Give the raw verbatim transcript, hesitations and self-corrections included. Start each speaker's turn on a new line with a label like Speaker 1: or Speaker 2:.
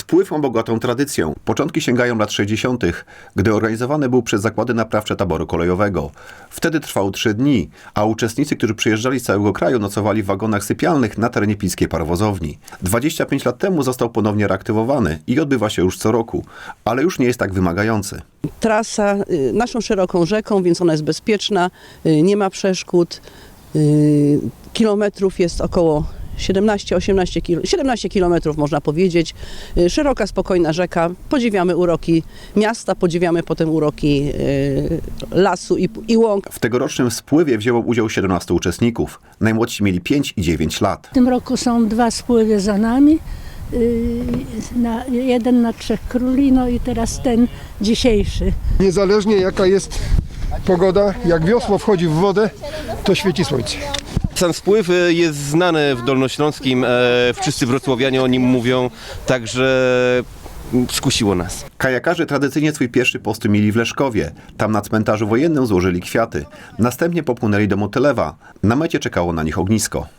Speaker 1: Spływ ma bogatą tradycję. Początki sięgają lat sześćdziesiątych, gdy organizowany był przez zakłady naprawcze taboru kolejowego. Wtedy trwał trzy dni, a uczestnicy, którzy przyjeżdżali z całego kraju, nocowali w wagonach sypialnych na terenie pilskiej parowozowni. dwadzieścia pięć lat temu został ponownie reaktywowany i odbywa się już co roku, ale już nie jest tak wymagający.
Speaker 2: Trasa y, naszą szeroką rzeką, więc ona jest bezpieczna, y, nie ma przeszkód. Y, kilometrów jest około siedemnaście osiemnaście kil, siedemnaście kilometrów można powiedzieć. Y, szeroka, spokojna rzeka. Podziwiamy uroki miasta, podziwiamy potem uroki y, lasu i, i łąk.
Speaker 1: W tegorocznym spływie wzięło udział siedemnastu uczestników. Najmłodsi mieli pięć i dziewięć lat.
Speaker 3: W tym roku są dwa spływy za nami. Yy, na, jeden na Trzech Króli, no i teraz ten dzisiejszy.
Speaker 4: Niezależnie jaka jest pogoda, jak wiosło wchodzi w wodę, to świeci słońce.
Speaker 5: Sam spływ jest znany w Dolnośląskim, wszyscy wrocławianie o nim mówią, także skusiło nas.
Speaker 1: Kajakarze tradycyjnie swój pierwszy postój mieli w Leszkowie. Tam na cmentarzu wojennym złożyli kwiaty. Następnie popłynęli do Motylewa. Na mecie czekało na nich ognisko.